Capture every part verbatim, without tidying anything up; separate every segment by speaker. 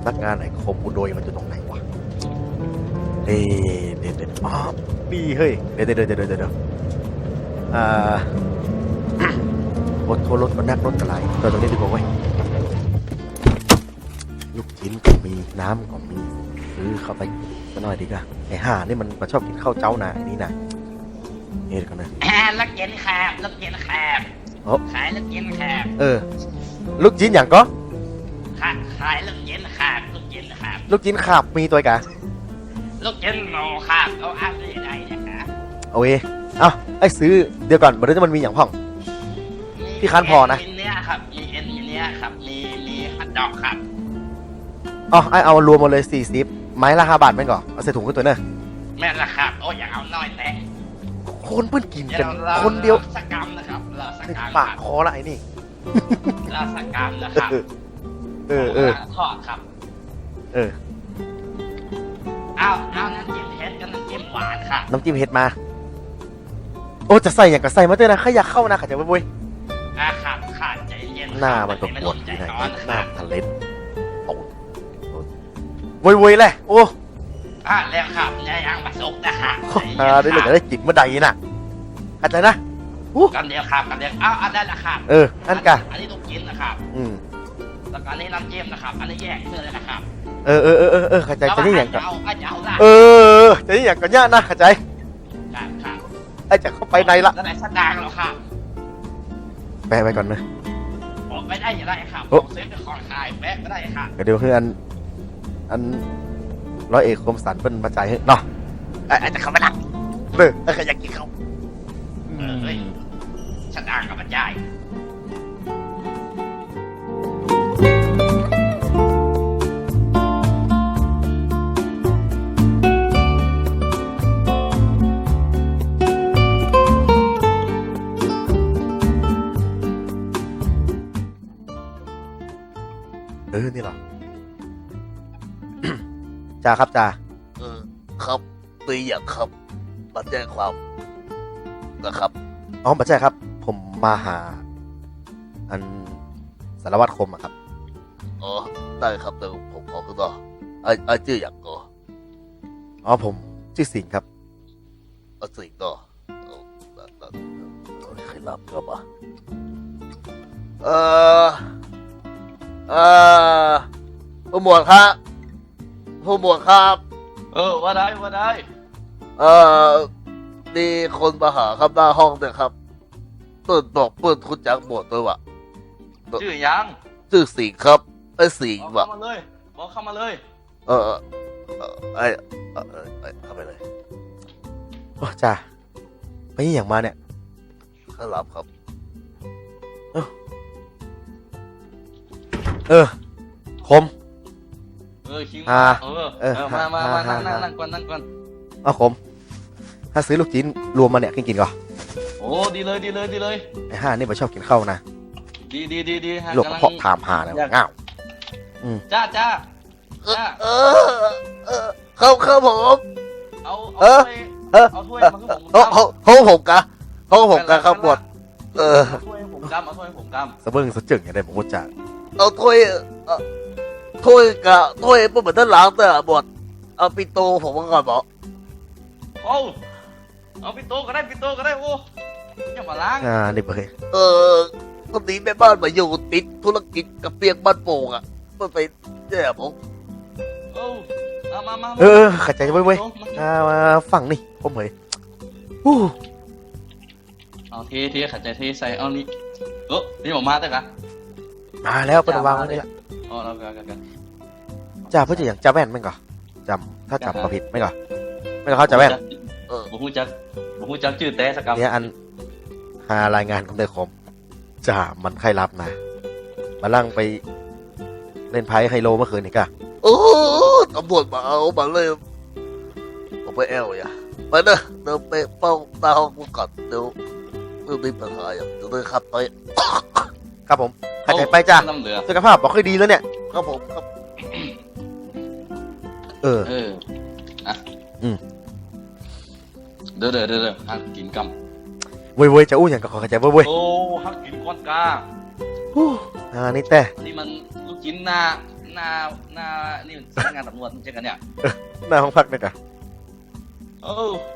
Speaker 1: ำนักงานไอ้โคมอุโดยมันอยู่ตรงไหนวะเอ๊ะเดี๋ยวเดี๋ยวอ๋อนี่เฮ้ยเดี๋ยวเดี๋ยวเดี๋ยวเดี๋ยวเดี๋ยวอ่า รถโทรรถก็นักรถกระไรตัวตรงนี้ดีกว่าเว้ยลูกชิ้นก็มีน้ำก็มีซื้อเข้าไปก็น้อยดีกว่าไอ้ห่านี่มันมาชอบกินข้าวเจ้าหนานี่นะเอ๊ะกันนะ
Speaker 2: ลูกชิ้นครับลูกชิ้นครับขายลูกชิ้นครับ
Speaker 1: เออลูกชิ้นอย่างก็
Speaker 2: ขายขายลูกชิ้นครับลูกชิ้นครับ
Speaker 1: ลูกชิ้นขาบมีตัวกะ
Speaker 2: ลูกชิ้นโมครับเขาอ้างได้ยังไงนะครับ
Speaker 1: โอเคเอ้าไอ้ซื้อเดี๋ยวก่อนมันจะมันมีอย่างพ่อง พี่คันพอนะ
Speaker 2: มีเนื้อครับมีเอ็นมีเนื้อครับมีมีฮัทดอกครับ
Speaker 1: อ๋อไอ้เอารวมหมดเลยสี่สิบไม้ละห้าบาทแม่งก่อนเอาใส่ถุงขึ้นตัวเนอะ
Speaker 2: แม่นละครับโอ้ยอย่าเอาน้อยแต่
Speaker 1: คนเพิ่นกิน
Speaker 2: เดี๋ย
Speaker 1: กัน
Speaker 2: วเรา
Speaker 1: คนเดียว
Speaker 2: สกรรมนะครับเราสกรรม
Speaker 1: ปากคอละไอ้นี่
Speaker 2: เราสกรรมนะครับ
Speaker 1: เออเออ
Speaker 2: ทอดครับ
Speaker 1: เออ
Speaker 2: เอาเอาน้ำจิ้มเผ็ดกับน้ำจิ้มหวานครับ
Speaker 1: น้ำจิ้มเห็ดมาโอ้จะใส่อย่างก็ใส่มาด้วยนะข้าอยากเข้านะข้าจะไปบุย
Speaker 2: อาขาดขาดใจเย็น
Speaker 1: หน้ามันก็ปวด
Speaker 2: ใจ
Speaker 1: ดีนะ
Speaker 2: ร้อนนะ
Speaker 1: ห
Speaker 2: ค
Speaker 1: น้า
Speaker 2: รับ
Speaker 1: ทะเลนโอ้วุยวุยเลยโอ้
Speaker 2: อ่ะแล้วครับยายยังมาสุกนะครับ
Speaker 1: อ่าได้เลยจะได้จิตเมื่อใดน่ะเข้าใจนะอู้
Speaker 2: กันเดียวครับกันเดียวเอาอันนั้นละครับ
Speaker 1: เอออันกะ
Speaker 2: อันนี้ลูกชิ้นนะครับ
Speaker 1: อืม
Speaker 2: แล้วก็อันนี้น้ำจิ้มนะครับ อันนี้แยกเพื่อเลยนะครับ
Speaker 1: เออเออเออเออเออเข้าใจจะได้อย่างก่อน
Speaker 2: เอาเอาจะเอาละ
Speaker 1: เออจะได้อย่างก่อนย่านะเข้าใจ
Speaker 2: ครับครับ
Speaker 1: ไอ้จะเข้าไปในละ
Speaker 2: แล้วไหนสตางค์เหรอครับ
Speaker 1: แปะไปก่อนนะ
Speaker 2: บอกไม่ได้อย่าได้ครับ
Speaker 1: โอ้
Speaker 2: ผมซื้อเป็นของขายแป๊ะไม่ได้ครับ
Speaker 1: เดี๋ยวคืออันอันร้อยเอกคมสันเป็นมาจ่ายให้เนาะไอ้ไอ้จะเข้าไปละเด้อไอ้ใครอยากกินเขา
Speaker 2: เออเฮ้ยสตางค์กับบรรยาย
Speaker 1: เออนี่เหรอ จ่าครับจ่า
Speaker 3: เออครับตีอย่างครับมาแจ้งความนะครับ
Speaker 1: อ๋อมาใช่ครับ ผมมาหา อันสารวัตรคมอะครับ
Speaker 3: อ๋อได้ครับแต่ผมขอขึ้นต่อไอ้ไอ้ชื่ออย่างก็
Speaker 1: อ๋อผมชื่อสิงห์ครับ
Speaker 3: ไอ้สิ่งต่อเอาได้ได้เอาใครรับครับอ่ะเออเออผู้หมวดครับผู้หมวดครับ
Speaker 2: เออว่าได้ว่าได้
Speaker 3: เออมีคนมาหาครับหน้าห้องเนี่ยครับเปิดบอกเปิดคุณจักหมวดด้วยวะ
Speaker 2: ชื่อยัง
Speaker 3: ชื่อสิงห์ครับไอ้สิงห์
Speaker 2: บอก
Speaker 3: วะ
Speaker 2: เข้ามาเลยบอกเข้ามาเลย
Speaker 3: เออเออเออไอ้เออเออไอ้เข้าไปเลย
Speaker 1: โอ้จ่าไปยี่อย่างมาเนี่ย
Speaker 3: ข้ารับครับ
Speaker 1: เออ คม
Speaker 2: เออคิง
Speaker 1: อ่า
Speaker 2: เออ
Speaker 1: เออ
Speaker 2: เออมามามา
Speaker 1: อ่า
Speaker 2: นั่งนั่ง
Speaker 1: อ่า
Speaker 2: นั่งก่อนนั่งก่อน
Speaker 1: เอาคม ถ้าซื้อลูกชิ้นรวมมาเนี่ยกินกินก่อน
Speaker 2: โอ้ดีเลยดีเลยดีเลย
Speaker 1: ไอ้ห่านี่มันชอบกินข้าวนะ
Speaker 2: ดีดีดีดีฮะ
Speaker 1: หลวก
Speaker 2: กำลัง
Speaker 1: เพาะถามหานะง่าว
Speaker 2: จ้าจ้า
Speaker 3: เออ
Speaker 2: จ้า
Speaker 3: เออเออเข้าเข้าผม
Speaker 2: เอา
Speaker 1: เอ
Speaker 2: เอา
Speaker 1: อ
Speaker 2: ถ้วย
Speaker 1: เออ
Speaker 2: เอาถ้วยมาให้ผม
Speaker 3: เขาเขาเขาผมกะเขาผมกะครับบดเออ
Speaker 2: เอาถ้วยให้ผมกำเอาถ้วยให้ผมกำ
Speaker 1: สะเบิ้งสะจึงอย่างไรผมก็จ่า
Speaker 3: เอาถ้วยเออถ้วยกะถ้วยไม่เหมือนด้านหลังแต่บดเอาปิโตผมมาก่อนบอก
Speaker 2: เอาเอาปิโตก็ได้ปิโตก็ได้โอ้อย่ามาล้าง
Speaker 1: อ่านี่เบย
Speaker 3: เออคนนี้แม่บ้านมาอยู่ติดธุรกิจกับเปียกบ้านโป่งอ่ะมันไปแย่ผม
Speaker 2: เอาเอามามา
Speaker 1: เออเออเข้าใจเว้ยเว้ย
Speaker 2: มา
Speaker 1: อ่ามาฝั่งนี่ผมเผยอู้
Speaker 2: เอาเทเทขัดใจเทใส่เอานี่เออนี่ผมมาแต่กะ
Speaker 1: มาแล้วเป็นวางไว้นี่ละ
Speaker 2: อ๋อแล้วกันกันกัน
Speaker 1: จ่าเพื่อจะอย่างจ่าแว่นไหมก่อนจำถ้าจำประผิดไหมก่อนไม่ก็เขาจ่าแว่น
Speaker 3: เออ
Speaker 2: ผมพูดจักผมพูดจักชื่อแต่สกรรม
Speaker 1: เนี่ยอันหารายงานของเดอคมจ่ามันใครรับนะมาลั่งไปเล่นไพ่ไฮโลเมื่อคืนนี่กะ
Speaker 3: โอ้ตำรวจมาเอามาเลยผมไปแอลอย่าไปเนอะเดินไปเฝ้าหน้าห้องกูก่อนเดี๋ยวไม่มีปัญหาอย่างเดี๋ยวเลยขับไป
Speaker 1: ครับผมเข้าใจไปจ้า
Speaker 2: น้ำเหลือ
Speaker 1: สุขภาพบอกค่อยดีแล้วเนี่ย
Speaker 3: ครับผมครับ
Speaker 1: เออ
Speaker 2: เอออ่ะ
Speaker 1: อืม
Speaker 2: เด้อเด้อเด้อเด้อฮักกินก
Speaker 1: เว้ยเว้ยจะอู้อย่างก็ขอเข้าใจเว้ยเว้ย
Speaker 2: ำโอ้ฮักกินก้อนกา
Speaker 1: อู้อ่านี่แต่
Speaker 2: นี่มันลูกชิ้นหน้าหน้าหน้านี่สำนักงานตำรวจเจอกันเนี่ย
Speaker 1: หน้าห้องพักเนี่ยกะ
Speaker 2: โอ้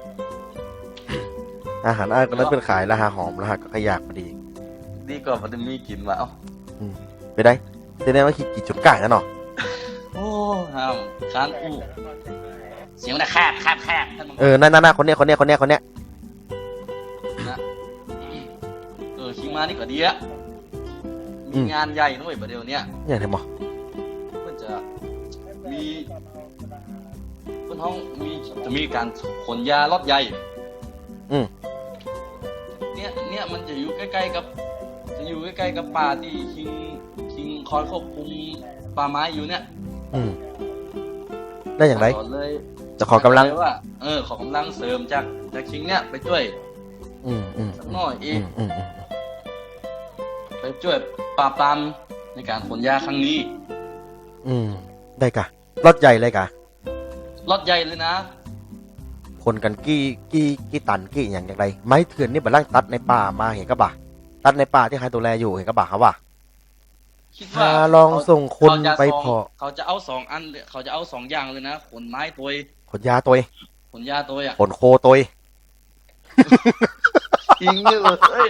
Speaker 1: อาหารอ้ายก็นั้นเป็นขายราคาหอมราคาก็ขยากพอดี
Speaker 2: ดีกว่ามันจะมีกินมาเอ้า
Speaker 1: ไปได้แสดงว่าขี้กี่จุดก่ายแล้วเนาะ
Speaker 2: โอ้ห้ามค้างอู้เสียงมันแคบแคบแคบท่านมึง
Speaker 1: เออนั่นๆๆคนเนี้ยคนเนี้ยคนเนี้ยคนเนี้ย
Speaker 2: นะเออชิงมานี่ก็ดีอะมีงานใหญ่นะเว้ยประเดี๋ยวเนี้ย
Speaker 1: อย่างไรหมอ
Speaker 2: เพื่อจะมีเพื่อนห้องมีจะมีการขนยารถใหญ่
Speaker 1: อืม
Speaker 2: เนี่ยเนี่ยมันจะอยู่ใกล้ๆกับ จะอยู่ใกล้ๆกับป่าที่คิงคิงคอยควบคุมป่าไม้อยู่เนี่ย
Speaker 1: อืมได้อย่างไร
Speaker 2: ขอเลย
Speaker 1: จะขอกำลัง
Speaker 2: เลยว่าเออขอกำลังเสริมจากจากคิงเนี่ยไปช่วย
Speaker 1: อืมอืม
Speaker 2: สักหน่อยเอ
Speaker 1: อื
Speaker 2: ง
Speaker 1: มอืมอืม
Speaker 2: ไปช่วยปราบปรามในการขนยาครั้งนี้
Speaker 1: อืมได้กะรถใหญ่เลยกะ
Speaker 2: รถใหญ่เลยนะ
Speaker 1: คนกันกี่กี่กี่ตันกี่อย่างอย่างไรไม้เถื่อนนี่บัดล่างตัดในป่ามาเห็นกะบ่าตัดในป่าที่ใครตัวแลอยู่เห็นกะบ่าครับว่า
Speaker 2: คิดว่า
Speaker 1: ถ้าลองส่งคน
Speaker 2: เขาจะ
Speaker 1: ไป
Speaker 2: สง
Speaker 1: พอ
Speaker 2: เขาจะเอาสองอันเลยเขาจะเอาสองอย่างเลยนะขนไม้ตัว
Speaker 1: ขนยาตัว
Speaker 2: ขนยาตัวอ่ะ
Speaker 1: ขนโคตัว
Speaker 2: จริงเลย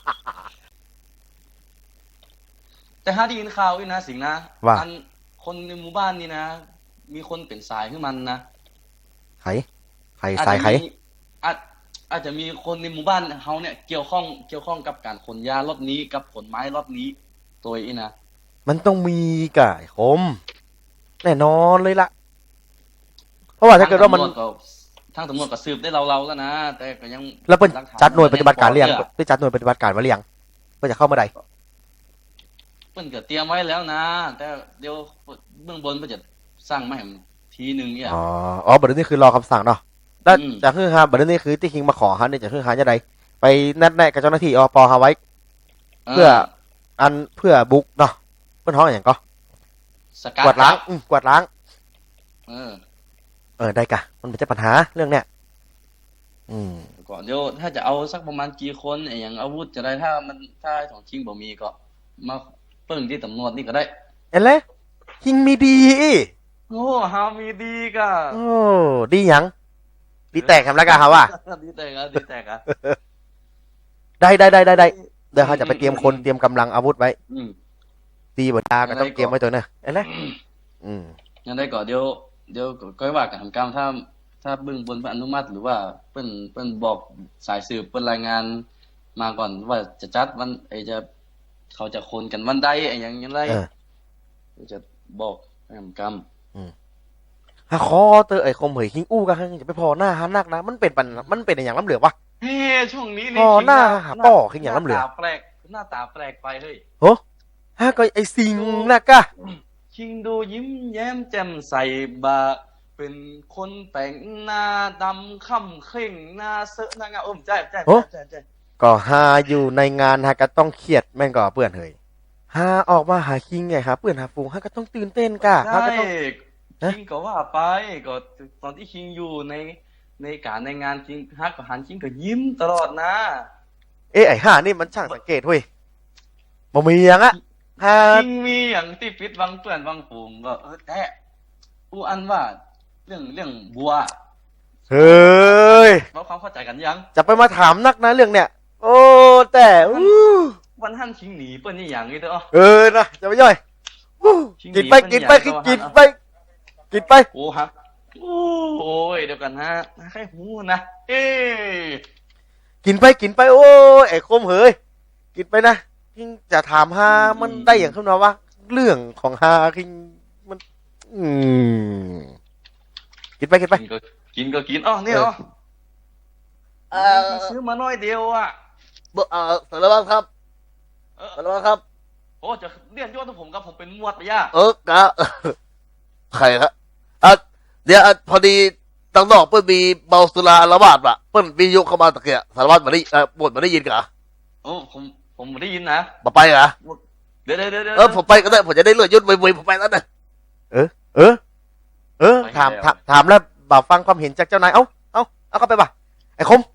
Speaker 2: แต่ถ้าได้ยินข่าวอีกนะสิงห์นะ
Speaker 1: ว่า
Speaker 2: อันคนในหมู่บ้านนี่นะ มีคนเป็นสายขึ้นมันนะ
Speaker 1: ไขไขสายไข
Speaker 2: อาจจะมีอาจอาจจะมีคนในหมู่บ้านเขาเนี่ยเกี่ยวข้องเกี่ยวข้องกับการขนยารถนี้กับขนไม้รถนี้ตัวอีนะ
Speaker 1: มันต้องมีกะไอ้คมแน่นอนเลยล่ะ เพราะว่าถ้าเกิดว่ามัน
Speaker 2: ทางตำรวจก็สืบได้เราๆแล้วนะแต่ก็ยัง
Speaker 1: แล้วเป็น
Speaker 2: หลักฐ
Speaker 1: จัดหน่วยปฏิบัติการหรือยัง
Speaker 2: เพื่อ
Speaker 1: ได้จัดหน่วยปฏิบัติการมาหรือยังเพื่อจะเข้าเมื่อใด
Speaker 2: เพิ่นก็เตรียมไว้แล้วนะ แต่เดี๋ยวเบื้องบนเพิ่นจะสร้างมาให้ทีหนึงเนี่ย
Speaker 1: อ๋ออ๋อบัดนี้คือรอคำสั่งเนาะแล้ว
Speaker 2: อืม
Speaker 1: จะคือฮะบัดนี้คือที่คิงมาขอฮะเนี่ยจะคือฮะจะใดไปนัดแนะกับเจ้าหน้าที่อปฮาไว้ เพื่อ อันเพื่อบุกเนาะเพื่อนห้องอย่างก็
Speaker 2: สกัด
Speaker 1: กวาดล้างอืมกวาดล้าง
Speaker 2: เออ
Speaker 1: เออได้กะมันเป็นปัญหาเรื่องเนี้ยอืม
Speaker 2: ก่อนเดี๋ยวถ้าจะเอาสักประมาณกี่คนไอ้อย่างอาวุธจะได้ถ้ามันถ้าของชิงบ่มีก็ มาเปิ้งที่ตำรวจนี่ก็ได้
Speaker 1: เอ็นเลยคิงมีดี
Speaker 2: โอ้ฮามีดีก็
Speaker 1: โอ้ดีหยังดีแตกคำแล้วกันครับว่า
Speaker 2: ดีแต่กะดีแต่กะ
Speaker 1: ได้ได้ได้ได้ได้เดี๋ยวเขาจะไปเตรียมคนเตรียมกำลังอาวุธไว้
Speaker 2: อืม
Speaker 1: ตีบนตาก็ต้องเตรียมไว้ตัวเนอะเอ็นเลยอืม
Speaker 2: ยังได้ก่อนเดี๋ยวเดี๋ยวก็ว่ากันทำการถ้าถ้าเบื้องบนเพิ่นอนุมัติหรือว่าเปิ้นเปิ้นบอกสายสืบเปิ้นรายงานมาก่อนว่าจะจัดวันไอจะเขาจะโคนกันวันใดไอ้หยังยังไร
Speaker 1: เออ
Speaker 2: เดี๋ยวจะบอกให้ทำกรรม
Speaker 1: ฮะคอเตอไอ้คมเหยคิงอู้กันจะไปพอหน้าฮานักนะมันเป็นปัญมันเป็นอย่างล้ำเหลือวะ
Speaker 2: เฮ้ช่วงนี้
Speaker 1: พอหน้าหาป้อขึ้นอย่างล้ำเหลือ
Speaker 2: หน้าตาแปลกหน้าตาแปลกไปเฮ้ย
Speaker 1: โหฮะก็ไอ้สิงนะกะ
Speaker 2: ชิงดูยิ้มแย้มแจ่มใสบาเป็นคนแต่งหน้าดำค่ำเคร่งหน้าเซอะหน้างามโอ้มใจใจใจใจ
Speaker 1: ก็ฮาอยู่ในงานฮะก็ต้องเครียดแม่งก็เปื่อนเฮยฮาออกมาหาคิงไงครับเปื่อนหาฟูงฮะก็ต้องตื่นเต้นกะฮะ
Speaker 2: ใช่
Speaker 1: ก็ต้อง ฮะ
Speaker 2: คิงก็ว่าไปก็ตอนที่คิงอยู่ในในการในงานคิงฮักกับหันคิงก็ยิ้มตลอดนะ
Speaker 1: เอ้ไอ้ห่านี่มันช่างสังเกตเว้ยบ่มีอย่างอะฮา
Speaker 2: คิงมีอย่างที่ปิดวังเปื่อนวังฝูงก็เออแต่อูอันว่าเรื่องเรื่องบัว
Speaker 1: เฮ้ย
Speaker 2: เราความเข้าใจกันยัง
Speaker 1: จะไปมาถามนักนะเรื่องเนี้ยโอ้แต่อู้
Speaker 2: วันหันคิงหนีเปิ้นนี่อย่างนี้เด้อ
Speaker 1: เออนะจะไปย่อยอู้กินไปกินไปกินกินไปกินไป
Speaker 2: โอ้ฮะโอ้ยเดี๋ยวกันฮะใครหูนะเอ้ย
Speaker 1: กินไปกินไปโอ้ยไอ้คมเฮ้ยกินไปนะคิงจะถามฮามันได้อย่างขึ้นมาว่าเรื่องของฮาคิงมัน อืมกินไปกินไป
Speaker 2: กินก็กินก็กินอ๋อเนี่ยอ๋อ
Speaker 3: เอ่อ
Speaker 2: ซื้อมาน้อยเดียวอ่ะ
Speaker 3: เอ่อสารวัตรครับ
Speaker 2: เออ
Speaker 3: สารวัตรครับ
Speaker 2: โอ้จะเรียนยศผมกับผมเป็นหมวดไปย่า
Speaker 3: เออกะใครครับอ่ะเดี๋ยวอ่ะพอดีตั้งนอกเปิ้นมีเมาสุราละบาดว่ะเปิ้นวิทยุเข้ามาตะเกียสารวัตรมาได้เอ่อบทมาได้ยินกะ
Speaker 2: โอ้ผมผมได้ยินนะ
Speaker 3: มาไปกะ
Speaker 2: เดี๋ยวเดี๋ยวเดี๋ยวเดี๋ยว
Speaker 3: เออผมไปก็ได้ผมจะได้เลื่อนยศวุยๆผมไปแล้วนะ
Speaker 1: เออ เออ เออ ถามถามถามแล้วบ่าวฟังความเห็นจากเจ้านาย เอ้า เอ้า เอาเข้าไปป่ะ ไอ้คม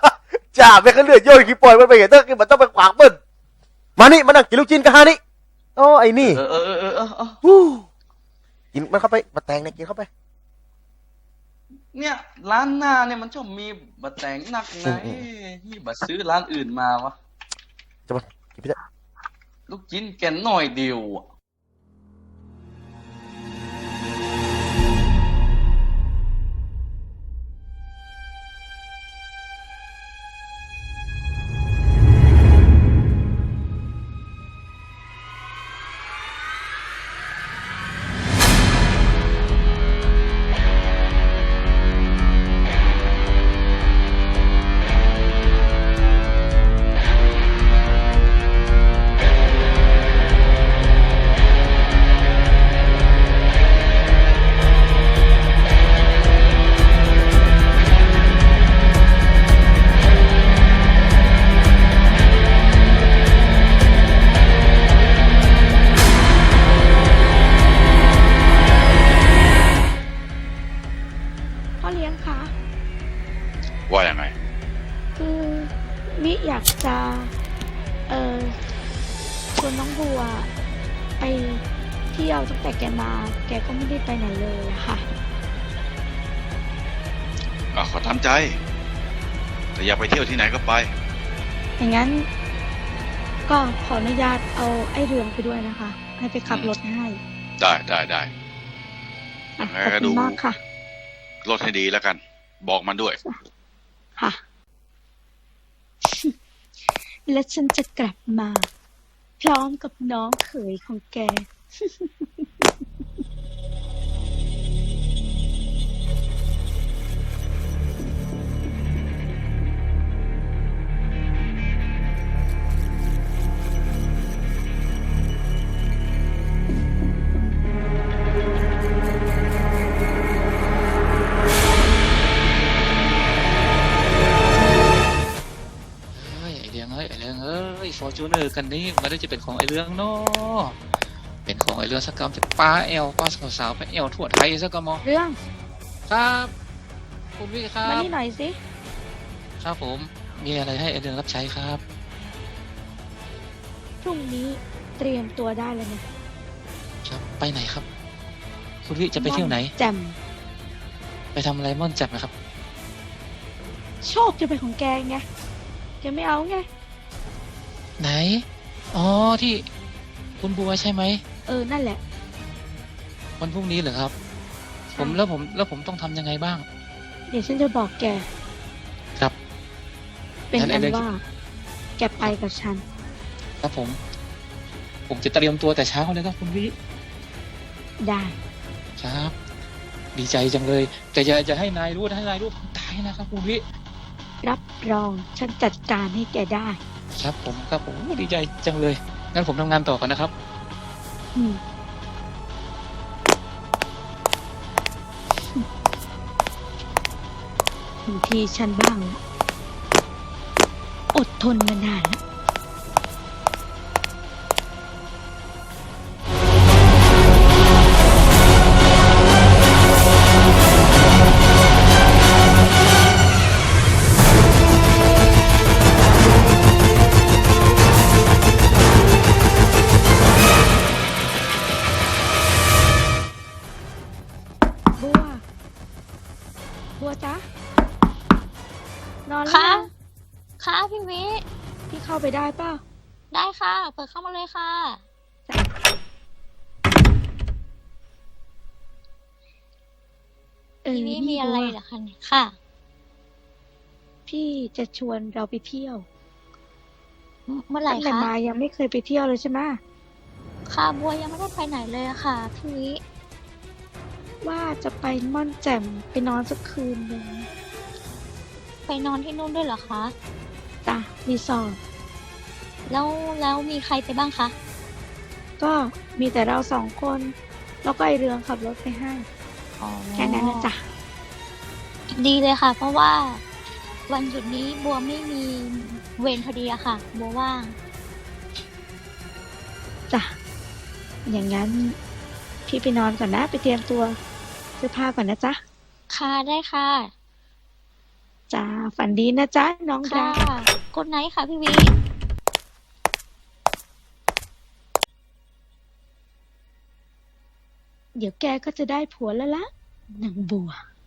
Speaker 1: จ่าไม่เคยเลือดโยนขี้ปล่อยมันไปเห็นเตอร์มันต้องไปขวางเปิ้ลมานี่มานั่งกินลูกชิ้นกันฮานี่โอ้ไอ้นี่
Speaker 2: เออเออเออเออเออเออ
Speaker 1: ฮู้กินมันเข้าไปบะแตงเนี่ยกินเข้าไป
Speaker 2: เนี่ยร้านหน้าเนี่ยมันชอบมีบะแตงหนักไง
Speaker 1: อืม
Speaker 2: นี่บะซื้อร้านอื่นมาวะ
Speaker 1: จะมากินไปเถอะ
Speaker 2: ลูกชิ้นแกนหน่อยเดียวอะ
Speaker 4: พ่อเลี้ยงคะ
Speaker 5: ว่ายังไง
Speaker 4: คือมิอยากจะ เออชวนน้องบัว ไปเที่ยวตั้งแต่แกมา แกก็ไม่ได้ไปไหนเลยอะค่ะ
Speaker 5: อ่ะขอทำใจ แต่อยากไปเที่ยวที่ไหนก็ไป
Speaker 4: อย่างนั้น ก็ขออนุญาตเอาไอ้เรืองไปด้วยนะคะ ให้ไปขับรถให้
Speaker 5: ได้ได้ได้
Speaker 4: อ่ะ
Speaker 5: งั้น
Speaker 4: ขอบ
Speaker 5: ก็
Speaker 4: คุ
Speaker 5: ดู
Speaker 4: ณมากค่ะ
Speaker 5: รถให้ดีแล้วกัน บอกมันด้วย
Speaker 4: ค่ะ และฉันจะกลับมา พร้อมกับน้องเขยของแก
Speaker 6: เฮ้ยไอเรื่องเฮ้ยไอเรื่องเอ้ยฟอร์จูเนอร์กันนี้มันได้จะเป็นของไอเรื่องเนาะเป็นของไอเรื่องสักกรรมจะป้าแอลป้าสาวๆไปแอลทั่วไทยสักกรรมอ
Speaker 4: เรื่อง
Speaker 6: ครับคุณพี่ครั
Speaker 4: มา
Speaker 6: บ
Speaker 4: นี่หน่อยสิ
Speaker 6: ครับผมมีอะไรให้ไอเรื่องรับใช้ครับ
Speaker 4: พรุ่งนี้เตรียมตัวได้เลยนะครับ
Speaker 6: ไปไหนครับ คุณพี่จะไปเที่ยวไหน
Speaker 4: แจ่ม
Speaker 6: ไปทำอะไรม่อนจับนะครับ
Speaker 4: โชคจะเป็นของแกไง แกไม่เอาไง
Speaker 6: ไหนอ๋อที่คุณบัวใช่ไหม
Speaker 4: เออ นั่นแหละ
Speaker 6: วันพรุ่งนี้เหรอครับ
Speaker 4: ใช่
Speaker 6: ผมแล้วผมแล้วผมต้องทำยังไงบ้าง
Speaker 4: เดี๋ยวฉันจะบอกแก
Speaker 6: ครับ
Speaker 4: เป็น
Speaker 6: งั้น
Speaker 4: อัน
Speaker 6: เดี๋ยว
Speaker 4: ว่า แกไปกับฉัน
Speaker 6: ครับผม ผมจะเตรียมตัวแต่เช้าเลยครับคุณพี่
Speaker 4: ได้
Speaker 6: ครับ ดีใจจังเลย แต่อย่าจะให้นายรู้นะให้นายรู้ผมตายนะครับคุณพี่
Speaker 4: รับรอง ฉันจัดการให้แกได้
Speaker 6: ครับผมครับผมดีใจจังเลยงั้นผมทำงานต่อก่อนนะครับ
Speaker 4: อืมถึงทีฉันบ้างละอดทนมานานแล้ว บัว บัวจ๊ะ นอนแล้ว
Speaker 7: ค่ะ
Speaker 4: ยัง
Speaker 7: ค่ะพี่วิ
Speaker 4: พี่เข้าไปได้ป่ะ
Speaker 7: ได้ค่ะ เปิดเข้ามาเลยค่ะ
Speaker 4: เออ
Speaker 7: พี่วิ
Speaker 4: นี่
Speaker 7: มีอะไร
Speaker 4: บัว
Speaker 7: เหรอคะเนี่ยค่ะ
Speaker 4: พี่จะชวนเราไปเที่ยว
Speaker 7: เมื่อไหร่
Speaker 4: ตั้งแต่
Speaker 7: คะ
Speaker 4: มายังไม่เคยไปเที่ยวเลยใช่ไหม
Speaker 7: ค่ะบัวยังไม่ได้ไปไหนเลยอะค่ะพี่วิ
Speaker 4: ว่าจะไปม่อนแจ่มไปนอนสักคืนหนึ่ง
Speaker 7: ไปนอนที่นู่นด้วยเหรอคะ
Speaker 4: จ้ะรีสอร์ท
Speaker 7: แล้วแล้วมีใครไปบ้างคะ
Speaker 4: ก็มีแต่เราสองคน แล้วก็ไอเรืองขับรถไปให้
Speaker 7: อ๋อ
Speaker 4: แค่นั้นนะจ๊ะ
Speaker 7: ดีเลยค่ะ เพราะว่า วันหยุดนี้บัวไม่มีเวรพอดีอะค่ะ บัวว่าง
Speaker 4: จ้ะ อย่างนั้น พี่ไปนอนก่อนนะ ไปเตรียมตัวเสื้อผ้าก่อนนะจ๊ะ
Speaker 7: ค่ะได้ค่ะ
Speaker 4: จ้า ฝันดีนะจ๊ะ น้องรั
Speaker 7: ค่ะ
Speaker 4: ก
Speaker 7: กดไนท์ค่ะพี่วิ
Speaker 4: เดี๋ยวแกก็จะได้ผัวแล้วละนางบัว